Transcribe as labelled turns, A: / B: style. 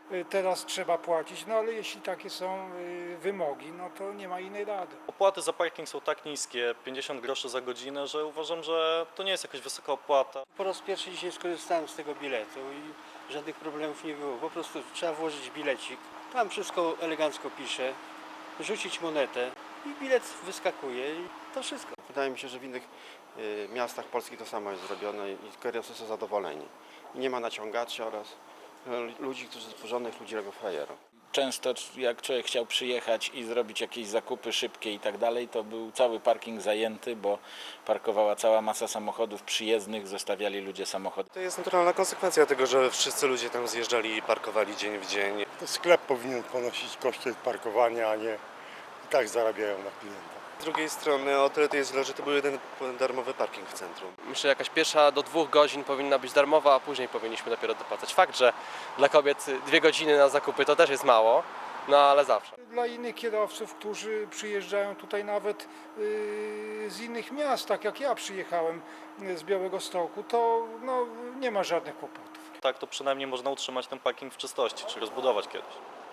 A: teraz trzeba płacić, no ale jeśli takie są wymogi, no to nie ma innej rady.
B: Opłaty za parking są tak niskie, 50 groszy za godzinę, że uważam, że to nie jest jakaś wysoka opłata.
C: Po raz pierwszy dzisiaj skorzystałem z tego biletu i żadnych problemów nie było. Po prostu trzeba włożyć bilecik. Tam wszystko elegancko pisze, rzucić monetę i bilet wyskakuje i to wszystko. Wydaje mi się, że w innych miastach Polski to samo jest zrobione i kierowcy są zadowoleni. I nie ma naciągaczy oraz ludzi, którzy porządnych ludzi robią frajerą.
D: Często jak człowiek chciał przyjechać i zrobić jakieś zakupy szybkie i tak dalej, to był cały parking zajęty, bo parkowała cała masa samochodów przyjezdnych, zostawiali ludzie samochody.
E: To jest naturalna konsekwencja tego, że wszyscy ludzie tam zjeżdżali i parkowali dzień w dzień.
F: To sklep powinien ponosić koszty parkowania, a nie i tak zarabiają na klienta.
E: Z drugiej strony o tyle to jest źle, że to był jeden darmowy parking w centrum.
G: Myślę, że jakaś pierwsza do 2 godzin powinna być darmowa, a później powinniśmy dopiero dopłacać. Fakt, że dla kobiet 2 godziny na zakupy to też jest mało, no ale zawsze.
A: Dla innych kierowców, którzy przyjeżdżają tutaj nawet z innych miast, tak jak ja przyjechałem z Białegostoku, to no, nie ma żadnych kłopotów.
B: Tak to przynajmniej można utrzymać ten parking w czystości, czy rozbudować kiedyś.